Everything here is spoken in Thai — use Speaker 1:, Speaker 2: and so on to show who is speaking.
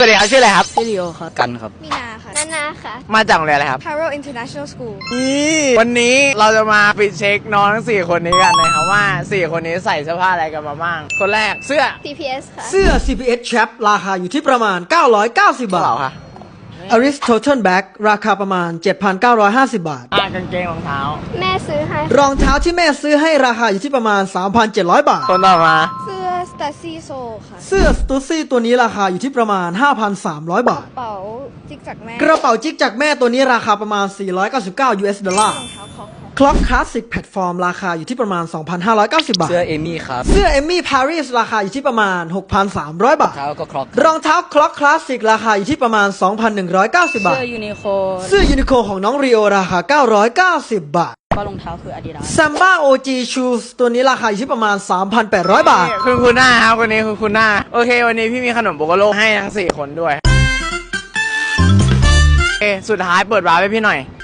Speaker 1: สวัสดีครับชื่ออะไรครับ
Speaker 2: พี่ลิโอครับกันครับ
Speaker 3: มีนาค่ะนานาค่ะ
Speaker 1: มาจากโรงเรียนอะไรครับ
Speaker 3: Paro International School
Speaker 1: วันนี้เราจะมาปิดเช็คน้องทั้ง4คนนี้กันนะครับว่า4คนนี้ใส่เสื้อผ้าอะไรกันมาบ้างคนแรกเสื้อ
Speaker 3: CPS ค่ะ
Speaker 4: เสื้อ CPS Chap ราคาอยู่ที่ประมาณ 990
Speaker 1: เป
Speaker 4: บา
Speaker 1: ล่า
Speaker 4: ท
Speaker 1: ค่ะ
Speaker 4: Aristotle Bag ราคาประมาณ 7,950 บาท
Speaker 1: กางเกงรองเท้า
Speaker 3: แม่ซื้อให้
Speaker 4: รองเท้าที่แม่ซื้อให้ราคาอยู่ที่ประมาณ 3,700 บาท
Speaker 1: คนต่อมา
Speaker 3: เสื้อ Stacy So ค่ะ
Speaker 4: เสื้อ Stussy ตัวนี้ราคาอยู่ที่ประมาณ 5,300 บาท
Speaker 3: กระเป๋าจิกจากแม่
Speaker 4: กระเป๋าจิกจากแม่ตัวนี้ราคาประมาณ 499 US ดอลลาร์
Speaker 3: รองเท้าคอกค่ะ
Speaker 4: Clock Classic Platform ราคาอยู่ที่ประมาณ 2,590 บาท
Speaker 2: เสื้อเอมี่ครับ
Speaker 4: เสื้อ Emmy Paris ราคาอยู่ที่ประมาณ 6,300 บาท
Speaker 2: เท้าก็ครอก
Speaker 4: รองเท้า Clock Classic ราคาอยู่ที่ประมาณ 2,190 บาท
Speaker 2: เสื้อยูนิโค
Speaker 4: เสื้อยูนิโคของน้องรีโอราคา 990 บาท
Speaker 2: ก็รองเท้าคืออาดิดาส
Speaker 4: Samba OG Shoes ตัวนี้ราคาอยู่ที่ประมาณ 3,800 บาท
Speaker 1: คือคุณหน้าครับคนนี้คือคุณหน้าโอเควันนี้พี่มีขนมโบโกโลให้ทั้ง4คนด้วยโอเคสุดท้ายเปิดวาร์ปให้พี่หน่อย